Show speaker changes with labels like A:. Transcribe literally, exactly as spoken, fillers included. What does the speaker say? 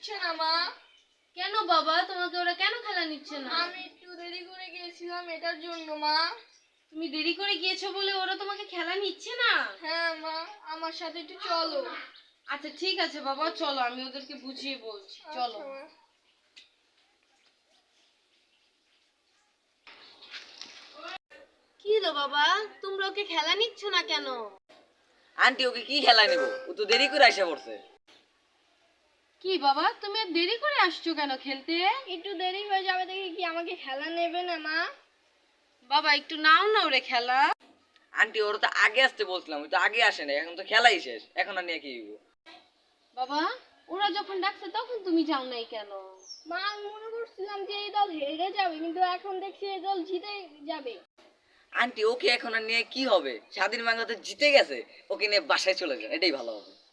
A: নিচ্ছে না মা।
B: কেন বাবা, তোমাকে ওরা কেন খেলা নিচ্ছে না?
A: আমি একটু দেরি করে গিয়েছিলাম এটার জন্য মা।
B: তুমি দেরি করে গিয়েছো বলে ওরা তোমাকে খেলা নিচ্ছে না?
A: হ্যাঁ মা, আমার সাথে একটু চলো।
B: আচ্ছা ঠিক আছে বাবা, চলো আমি ওদেরকে বুঝিয়ে বলছি, চলো।
A: আচ্ছা, মা।
B: কি হলো বাবা, তোমরা ওকে খেলা নিচ্ছ না কেন?
C: আন্টি ওকে কি খেলা নেবো, ও তো দেরি করে আসা পড়ছে।
B: কি বাবা, তুমি আর দেরি করে আসছো কেন খেলতে?
A: একটু দেরি হয়ে যাবে দেখে কি আমাকে খেলা নেবে না মা?
B: বাবা একটু নাও না ওরে খেলা।
C: আন্টি ওর তো আগে আসতে বলছিলাম, ওই তো আগে আসে না, এখন তো খেলাই শেষ, এখন আর নিয়ে কি হইব?
B: বাবা ওরা যখন ডাকছে তখন তুমি যাও নাই কেন?
A: মা, আমি মনে করছিলাম যে এই দল হেরে যাবে, কিন্তু এখন দেখছি এই দল জিতে যাবে।
C: আন্টি ওকে এখন আর নিয়ে কি হবে, স্বাধীন বাংলাদেশ জিতে গেছে, ওকে নিয়ে বাসায় চলে যায়, এটাই ভালো হবে।